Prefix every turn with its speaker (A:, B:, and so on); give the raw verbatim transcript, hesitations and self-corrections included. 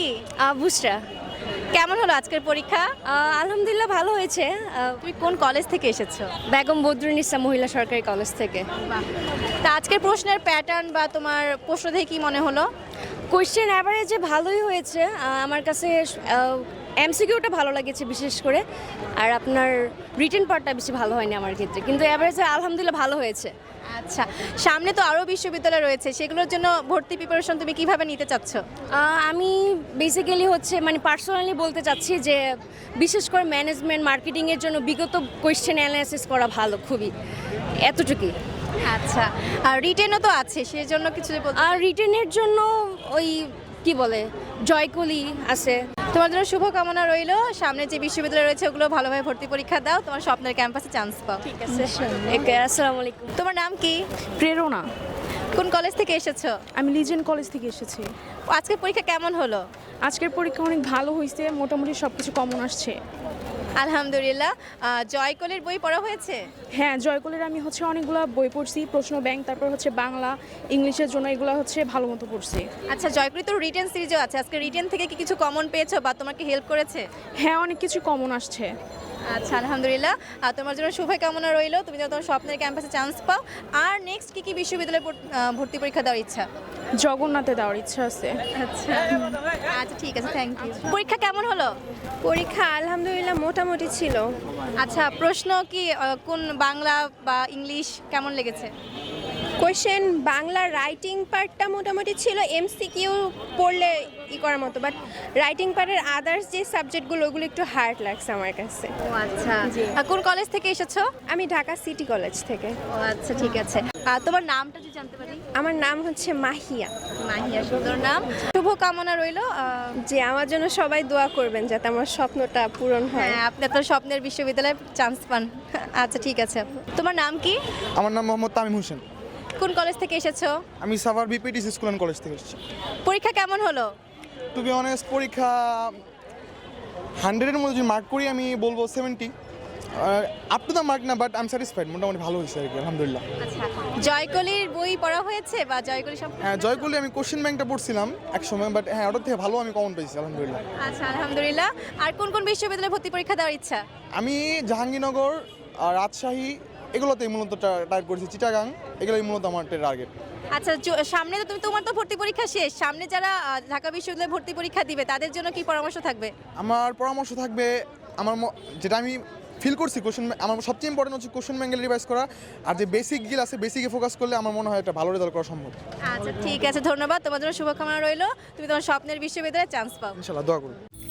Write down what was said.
A: কি?
B: আহ, বুসরা।
A: কেমন হলো আজকের পরীক্ষা?
B: আহ, আলহামদুলিল্লাহ ভালো হয়েছে। আহ,
A: তুমি কোন কলেজ থেকে এসেছো?
B: বেগম বদরুন্নিসা মহিলা সরকারি কলেজ থেকে।
A: তা আজকের প্রশ্নের প্যাটার্ন বা তোমার প্রশ্ন দেখে কি মনে হলো?
B: কোয়েশ্চেন অ্যাভারেজে ভালোই হয়েছে। আহ, আমার কাছে এমসিকিউটা ভালো লেগেছে বিশেষ করে, আর আপনার রিটেন পার্টটা বেশি ভালো হয়নি আমার ক্ষেত্রে, কিন্তু অ্যাভারেজে আলহামদুলিল্লাহ ভালো হয়েছে।
A: আচ্ছা, সামনে তো আরও বিশ্ববিদ্যালয় রয়েছে, সেগুলোর জন্য ভর্তি প্রিপারেশন তুমি কিভাবে নিতে চাচ্ছ?
B: আহ, আমি বেসিক্যালি হচ্ছে মানে পার্সোনালি বলতে চাচ্ছি যে বিশেষ করে ম্যানেজমেন্ট মার্কেটিংয়ের জন্য বিগত কোয়েশ্চেন অ্যানালাইসিস করা ভালো, খুবই এতটুকুই।
A: আচ্ছা, আর রিটেনও তো আছে, সেই জন্য কিছু বলতে-
B: আর রিটেনের জন্য ওই কি বলে জয়কলি আছে।
A: তোমার জন্য শুভকামনা রইলো, সামনে যে বিশ্ববিদ্যালয় রয়েছে ওগুলো ভালোভাবে ভর্তি পরীক্ষা দাও, তোমার স্বপ্নের ক্যাম্পাসে চান্স পাও।
B: ঠিক আছে, আসসালামু আলাইকুম।
A: তোমার নাম কি?
C: প্রেরণা।
A: কোন কলেজ থেকে এসেছো?
C: আমি লিজেন্ড কলেজ থেকে এসেছি।
A: আজকের পরীক্ষা কেমন হলো?
C: আজকের পরীক্ষা অনেক ভালো হয়েছে, মোটামুটি সব কিছু কমন আসছে।
A: আলহামদুলিল্লাহ। আহ, জয়কলের বই পড়া হয়েছে?
C: হ্যাঁ, জয়কলের আমি হচ্ছে অনেকগুলো বই পড়ছি, প্রশ্ন ব্যাংক, তারপর হচ্ছে বাংলা, ইংলিশের জন্য এগুলো হচ্ছে ভালো মতো পড়ছি।
A: আচ্ছা, জয়কলি তো রিটেন সিরিজও আছে, আজকে রিটেন থেকে কি কিছু কমন পেয়েছো বা তোমাকে হেল্প করেছে?
C: হ্যাঁ, অনেক কিছু কমন আসছে।
A: আচ্ছা, আলহামদুলিল্লাহ। আর তোমার জন্য শুভকামনা রইলো, তুমি যেন তোমার স্বপ্নের ক্যাম্পাসে চান্স পাও। আর নেক্সট কি কি বিশ্ববিদ্যালয়ে পড়- আহ, ভর্তি পরীক্ষা দেওয়ার ইচ্ছা?
C: জগন্নাথে দেওয়ার ইচ্ছা আছে।
A: আচ্ছা আচ্ছা, ঠিক আছে, থ্যাংক ইউ। পরীক্ষা কেমন হলো?
B: পরীক্ষা আলহামদুলিল্লাহ মোটামুটি ছিল।
A: আচ্ছা, প্রশ্ন কি আহ, কোন বাংলা বা ইংলিশ কেমন লেগেছে?
D: কোয়েশ্চেন বাংলা রাইটিং পার্টটা মোটামুটি ছিল, এমসিকিউ পড়লে ই করার মতো, বাট রাইটিং পার্টের আদার্স যে সাবজেক্টগুলো ওগুলো একটু হার্ড লাগছে আমার কাছে।
A: ও আচ্ছা, আর কোন কলেজ থেকে এসেছো?
D: আমি ঢাকা সিটি কলেজ থেকে।
A: ও আচ্ছা, ঠিক আছে। আর তোমার নামটা যদি জানতে পারি?
D: আমার নাম হচ্ছে মাহিয়া।
A: মাহিয়া, সুন্দর নাম। শুভকামনা রইলো। আহ,
D: যে আমার জন্য সবাই দোয়া করবেন যাতে আমার স্বপ্নটা পূরণ হয়।
A: হ্যাঁ, আপনি আপনার স্বপ্নের বিশ্ববিদ্যালয়ে চান্স পান। আচ্ছা, ঠিক আছে। তোমার নাম কি?
E: আমার নাম মোহাম্মদ তামিম হোসেন।
A: কোন কলেজ থেকে এসেছো?
E: আমি Savar BPTC school and college থেকে এসেছি।
A: পরীক্ষা কেমন হলো?
E: টু বি অনেস্ট, পরীক্ষা হান্ড্রেডের মধ্যে যদি মার্ক করি আমি বলবো seventy. Up to the mark না, বাট আই এম স্যাটিসফাইড, মোটামুটি ভালো হয়েছে আর কি, আলহামদুলিল্লাহ।
A: আচ্ছা, জয়কলির বই পড়া হয়েছে বা জয়কলি সম্পর্কে?
E: হ্যাঁ, জয়কলি আমি কোশ্চেন ব্যাংকটা পড়ছিলাম এক সময়, বাট হ্যাঁ ওটার থেকে ভালো আমি কমন পেয়েছি, আলহামদুলিল্লাহ।
A: আচ্ছা, আলহামদুলিল্লাহ। আর কোন কোন বিশ্ববিদ্যালয়ে ভর্তি পরীক্ষা দেওয়ার ইচ্ছা?
E: আমি জাহাঙ্গীরনগর আর রাজশাহী এগুলোতেই মূলত টার্গেট করেছি, চিটাগাং এগুলোই মূলত আমার টার্গেট।
A: আচ্ছা, জ- সামনে তো তুমি তোমার তো ভর্তি পরীক্ষা শেষ, সামনে যারা আহ, ঢাকা বিশ্ববিদ্যালয়ে ভর্তি পরীক্ষা দিবে তাদের জন্য কি পরামর্শ থাকবে?
E: আমার পরামর্শ থাকবে, আমার ম- যেটা আমি ফিল করছি, কোশ্চেন আমার সবচেয়ে ইম্পর্টেন্ট হচ্ছে কোশ্চেন ব্যাঙ্গেল রিভাইজ করা, আর যে বেসিক গিল আছে বেসিকে ফোকাস করলে আমার মনে হয় একটা ভালো রেজাল্ট করা সম্ভব।
A: আচ্ছা, ঠিক আছে, ধন্যবাদ। তোমার জন্য শুভকামনা রইলো, তুমি তোমার স্বপ্নের বিশ্ববিদ্যালয়ে চান্স পাও।
E: ইনশাল্লাহ, দোয়া করি।